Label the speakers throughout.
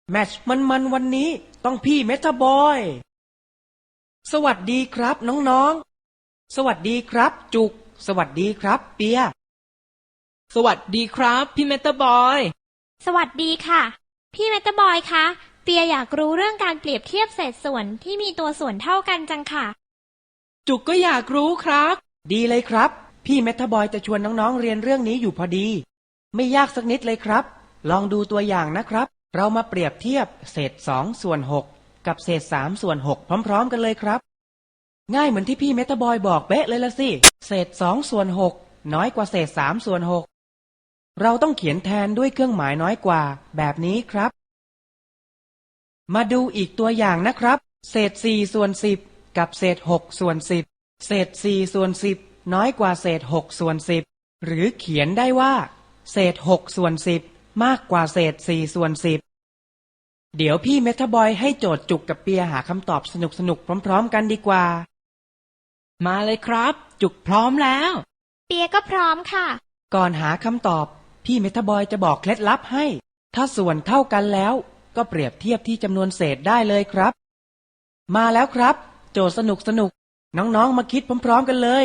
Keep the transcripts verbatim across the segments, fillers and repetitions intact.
Speaker 1: แมตช์มันๆวันนี้ต้องพี่เมทาบอยสวัสดีครับน้องๆสวัสดีครับจุกสวัสดีครับเปีย
Speaker 2: สวัสดีครับพี่เมตาบอย
Speaker 3: สวัสดีค่ะพี่เมตาบอยคะเปียอยากรู้เรื่องการเปรียบเทียบเศษส่วนที่มีตัวส่วนเท่ากันจังค่ะ
Speaker 2: จุกก็อยากรู้ครับ
Speaker 1: ดีเลยครับพี่เมทาบอยจะชวนน้องๆเรียนเรื่องนี้อยู่พอดีไม่ยากสักนิดเลยครับลองดูตัวอย่างนะครับเรามาเปรียบเทียบเศษสองส่วนหกกับเศษสามส่วนหกพร้อมๆกันเลยครับง่ายเหมือนที่พี่เมทาบอยบอกเป๊ะเลยละสิเศษสองส่วนหกน้อยกว่าเศษสามส่วนหกเราต้องเขียนแทนด้วยเครื่องหมายน้อยกว่าแบบนี้ครับมาดูอีกตัวอย่างนะครับเศษสี่ส่วนสิบกับเศษหกส่วนสิบเศษสี่ส่วนสิบน้อยกว่าเศษหกส่วนสิบหรือเขียนได้ว่าเศษหกส่วนสิบมากกว่าเศษสี่ส่วนสิบเดี๋ยวพี่เมทาบอยให้โจทย์จุกกับเปียหาคำตอบสนุกๆพร้อมๆกันดีกว่า
Speaker 2: มาเลยครับจุกพร้อมแล้ว
Speaker 3: เปียก็พร้อมค่ะ
Speaker 1: ก่อนหาคำตอบพี่เมทาบอยจะบอกเคล็ดลับให้ถ้าส่วนเท่ากันแล้วก็เปรียบเทียบที่จำนวนเศษได้เลยครับมาแล้วครับโจทย์สนุกๆน้องๆมาคิดพร้อมๆกันเลย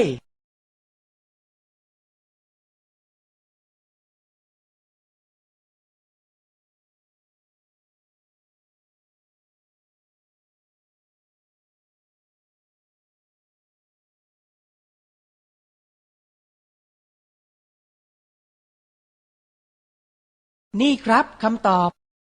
Speaker 1: นี่ครับคำตอบ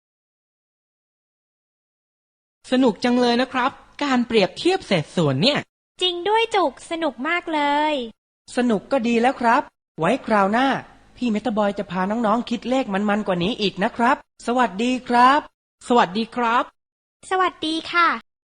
Speaker 2: สนุกจังเลยนะครับการเปรียบเทียบเศษส่วนเนี่ย
Speaker 3: จริงด้วยจุกสนุกมากเลย
Speaker 1: สนุกก็ดีแล้วครับไว้คราวหน้าพี่เมทาบอยจะพาน้องๆคิดเลขมันๆกว่านี้อีกนะครับสวัสดีครับ
Speaker 2: สวัสดีครับ
Speaker 3: สวัสดีค่ะ